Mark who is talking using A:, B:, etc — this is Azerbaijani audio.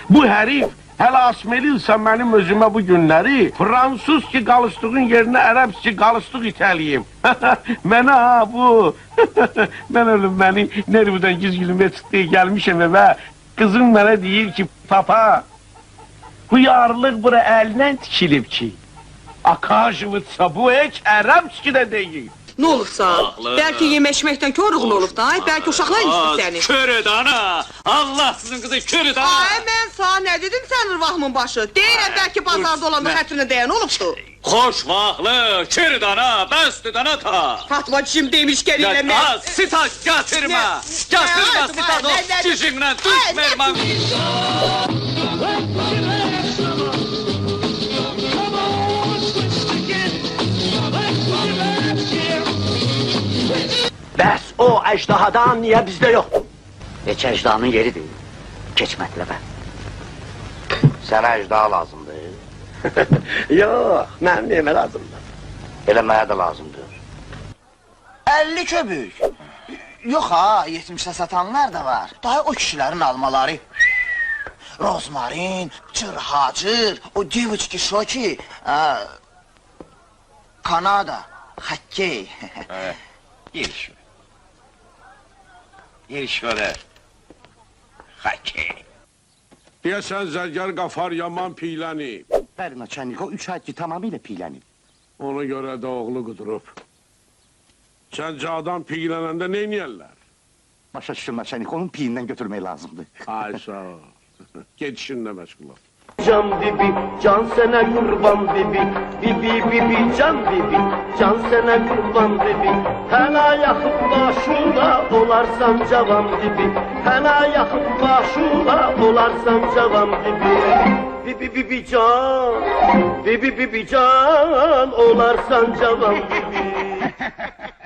A: Bu herif hələ asmeliysə mənim özümə bu günləri Fransız ki qalışdığın yerinə ərəb ki qalışdıq itəliyim. Mənə ha bu. Mən ölüm məni nervdən gizgilmə çıxdığı gəlmişəm və qızım mənə deyir ki papa bu yarlıq bura əlindən tikilib ki. Akajıvıtsa bu heç ərəb ki də deyil.
B: Ne olursa, belki yemeşmekten körüğün olub da, belki uşaqlar isti seni.
C: Körüd ana! Allah sizin kızı körüd ana!
B: Ay, ben sana ne dedim senin vahmın başı? Deyirəm, belki pazarda olanda xətrinə değən olubdu.
C: Xoş vaxtlı, körüd ana, bəstüd ana ta!
B: Fatmacığım demişken eləmə.
C: Sitat gətirmə! Gətirmə sitat o cicimlə düşmərməm!
D: Bəs o əcdahadan niyə bizdə yoxdur? Heç əcdahanın yeri deyil. Keç mətləbə.
E: Sənə əcdaha lazımdır.
D: Yox, mənim demə lazımdır.
E: Elə mənə də lazımdır.
F: 50 köbük. Yox ha, 70'e satanlar da var. Daha o kişilerin almaları. Rozmarin, cırhacır, o девочки şoki. Kanada, hokkey.
E: Giriş. Giriş öyle. Hokkey.
A: Deyəsən zərgər qafar yaman piylənib.
D: Bəli, naçennik, o 3 ay ki tamamilə piylənib.
A: Ona görə də oğlu qudurub. Səncə adam piylənəndə neyniyərlər?
D: Başa düşdüm, naçennik, onun piyindən götürmək lazımdır.
A: Ay sağ ol. Get işinlə məşğul ol.
G: Can bibi, can sana kurban bibi, bibi bibi can bibi, can sana kurban bibi. Hələ yaxıb başına olarsan cavan bibi, hələ yaxıb başına olarsan cavan bibi. Bibi bibi can, bibi bibi can olarsan cavan bibi.